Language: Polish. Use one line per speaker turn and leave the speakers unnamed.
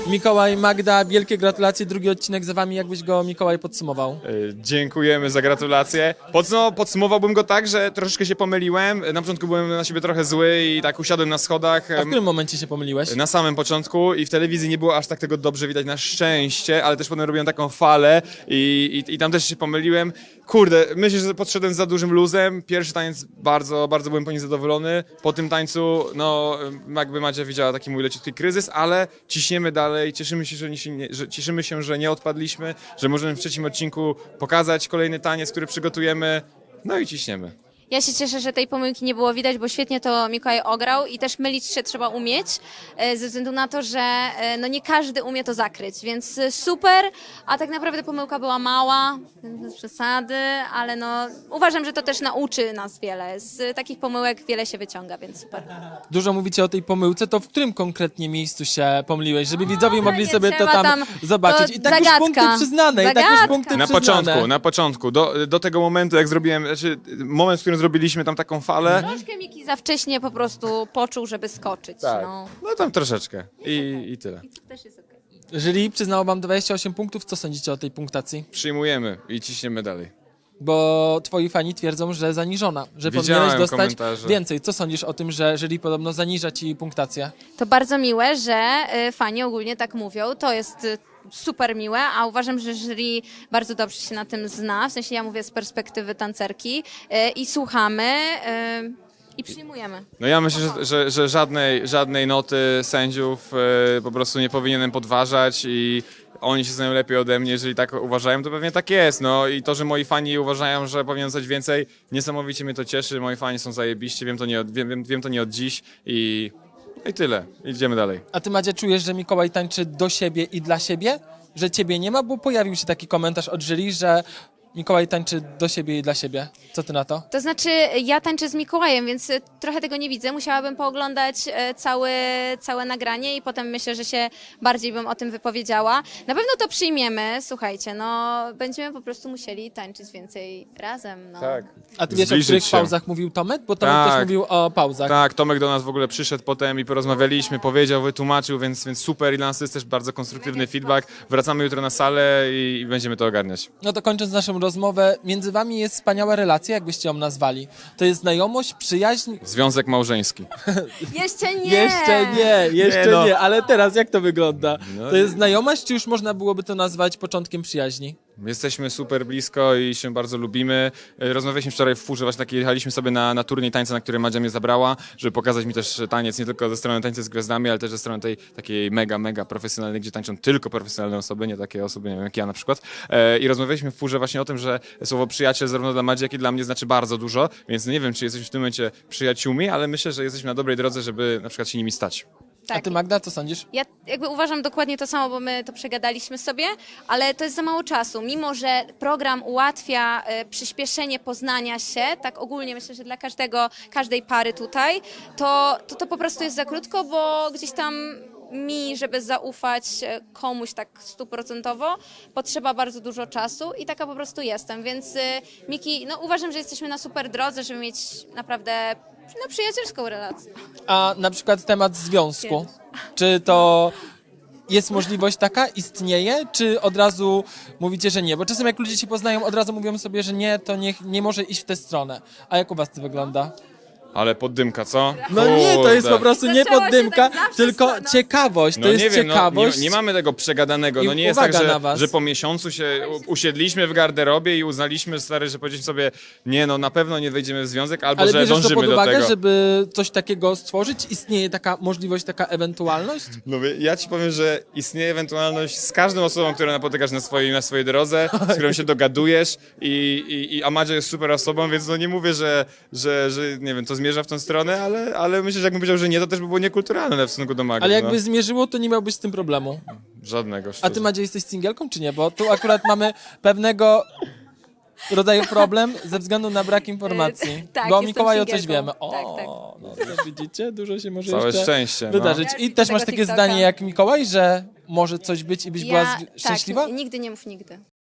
Mikołaj, Magda, wielkie gratulacje, drugi odcinek za wami, jakbyś go, Mikołaj, podsumował?
Dziękujemy za gratulacje. Podsumowałbym go tak, że troszeczkę się pomyliłem. Na początku byłem na siebie trochę zły i tak usiadłem na schodach.
A w którym momencie się pomyliłeś?
Na samym początku i w telewizji nie było aż tak tego dobrze widać na szczęście, ale też potem robiłem taką falę i tam też się pomyliłem. Kurde, myślę, że podszedłem z za dużym luzem. Pierwszy taniec bardzo byłem po nim zadowolony. Po tym tańcu, no jakby Madzia widziała taki mój leciutki kryzys, ale ciśniemy dalej, cieszymy się, że nie odpadliśmy, że możemy w trzecim odcinku pokazać kolejny taniec, który przygotujemy, no i ciśniemy.
Ja się cieszę, że tej pomyłki nie było widać, bo świetnie to Mikołaj ograł i też mylić się trzeba umieć, ze względu na to, że no nie każdy umie to zakryć, więc super, a tak naprawdę pomyłka była mała, bez przesady, ale no uważam, że to też nauczy nas wiele. Z takich pomyłek wiele się wyciąga, więc super.
Dużo mówicie o tej pomyłce, to w którym konkretnie miejscu się pomyliłeś, żeby widzowie mogli
nie
sobie to
trzeba
tam zobaczyć.
to
I tak już
zagadka.
punkty przyznane, i tak już
Zagadka.
punkty
Na
przyznane.
początku, do tego momentu, jak zrobiłem, moment, w którym zrobiliśmy tam taką falę,
Troszkę Miki za wcześnie po prostu poczuł, żeby skoczyć.
tak,
No.
no tam troszeczkę i tyle.
To też jest okej.
Jury przyznało wam 28 punktów, co sądzicie o tej punktacji?
Przyjmujemy i ciśniemy dalej.
Bo twoi fani twierdzą, że zaniżona, że
Widziałem
powinieneś dostać
komentarze.
więcej. Co sądzisz o tym, że jury podobno zaniża ci punktację?
To bardzo miłe, że fani ogólnie tak mówią. To jest super miłe, a uważam, że jury bardzo dobrze się na tym zna. W sensie ja mówię z perspektywy tancerki i słuchamy i przyjmujemy.
No ja myślę, że żadnej noty sędziów po prostu nie powinienem podważać i oni się znają lepiej ode mnie, jeżeli tak uważają, to pewnie tak jest. No i to, że moi fani uważają, że powinien dostać więcej, niesamowicie mnie to cieszy. Moi fani są zajebiści, wiem to nie od dziś i tyle. Idziemy dalej.
A ty, Madzia, czujesz, że Mikołaj tańczy do siebie i dla siebie? Że ciebie nie ma? Bo pojawił się taki komentarz od jury, że Mikołaj tańczy do siebie i dla siebie. Co ty na to?
To znaczy, ja tańczę z Mikołajem, więc trochę tego nie widzę. Musiałabym pooglądać całe nagranie i potem myślę, że się bardziej bym o tym wypowiedziała. Na pewno to przyjmiemy, słuchajcie, no będziemy po prostu musieli tańczyć więcej razem. No.
Tak.
A ty wiesz, o
Zbliżyć
których
się.
pauzach mówił Tomek? Bo Tomek
Tak.
też mówił o pauzach.
Tak, Tomek do nas w ogóle przyszedł potem i porozmawialiśmy, powiedział, wytłumaczył, więc super i dla nas to jest też bardzo konstruktywny feedback. Wracamy jutro na salę i będziemy to ogarniać.
No to kończąc naszą rozmowę, między wami jest wspaniała relacja, jakbyście ją nazwali. To jest znajomość, przyjaźń?
Związek małżeński.
Jeszcze nie!
Jeszcze
Nie, no.
nie, ale teraz jak to wygląda?
No
To jest znajomość, czy już można byłoby to nazwać początkiem przyjaźni?
Jesteśmy super blisko i się bardzo lubimy. Rozmawialiśmy wczoraj w furze, właśnie tak jechaliśmy sobie na turniej tańca, na który Madzia mnie zabrała, żeby pokazać mi też taniec, nie tylko ze strony tańca z gwiazdami, ale też ze strony tej takiej mega profesjonalnej, gdzie tańczą tylko profesjonalne osoby, nie takie osoby, nie wiem, jak ja na przykład. I rozmawialiśmy w furze właśnie o tym, że słowo przyjaciel zarówno dla Madzi, jak i dla mnie znaczy bardzo dużo, więc nie wiem, czy jesteśmy w tym momencie przyjaciółmi, ale myślę, że jesteśmy na dobrej drodze, żeby na przykład się nimi stać.
A
Tak.
ty, Magda, co sądzisz?
Ja jakby uważam dokładnie to samo, bo my to przegadaliśmy sobie, ale to jest za mało czasu. Mimo że program ułatwia przyspieszenie poznania się, tak ogólnie myślę, że dla każdej pary tutaj, to po prostu jest za krótko, bo gdzieś tam mi, żeby zaufać komuś tak 100%, potrzeba bardzo dużo czasu i taka po prostu jestem, więc Miki, no uważam, że jesteśmy na super drodze, żeby mieć naprawdę przyjacielską relację.
A na przykład temat związku. Czy to jest możliwość taka? Istnieje? Czy od razu mówicie, że nie? Bo czasem jak ludzie się poznają, od razu mówią sobie, że nie, to nie może iść w tę stronę. A jak u was to wygląda?
Ale poddymka, co?
No nie, to jest
Kurde.
po prostu nie
Zaczęło się
poddymka,
tak zawsze
tylko
no.
ciekawość. To
No
jest
nie wiem,
ciekawość.
nie mamy tego przegadanego.
I
No nie jest
uwaga
tak,
na was.
że po miesiącu się usiedliśmy w garderobie i uznaliśmy, stary, że powiedzieliśmy sobie, nie no, na pewno nie wejdziemy w związek, albo
Ale
że
bierzesz to
dążymy
pod
do
uwagę,
tego.
żeby coś takiego stworzyć? Istnieje taka możliwość, taka ewentualność?
No ja ci powiem, że istnieje ewentualność z każdą osobą, którą napotykasz na swojej drodze, z którą się dogadujesz a Madzia jest super osobą, więc no nie mówię, że nie wiem, to zmierza w tą stronę, ale myślę, że jakbym powiedział, że nie, to też by było niekulturalne w stosunku do Magdy.
Ale jakby
no.
zmierzyło, to nie miałbyś z tym problemu.
Żadnego,
A ty,
szczerze.
Madzia, jesteś singielką, czy nie? Bo tu akurat mamy pewnego rodzaju problem ze względu na brak informacji.
Tak,
Bo o
jestem
Mikołaju coś
singielką.
wiemy. O,
Tak.
no to widzicie, dużo się może
Całe
jeszcze
szczęście. No.
wydarzyć.
Ja
I
z
też
tego
masz takie
TikToka.
zdanie jak Mikołaj, że może coś być i byś była szczęśliwa?
Tak, nigdy nie mów nigdy.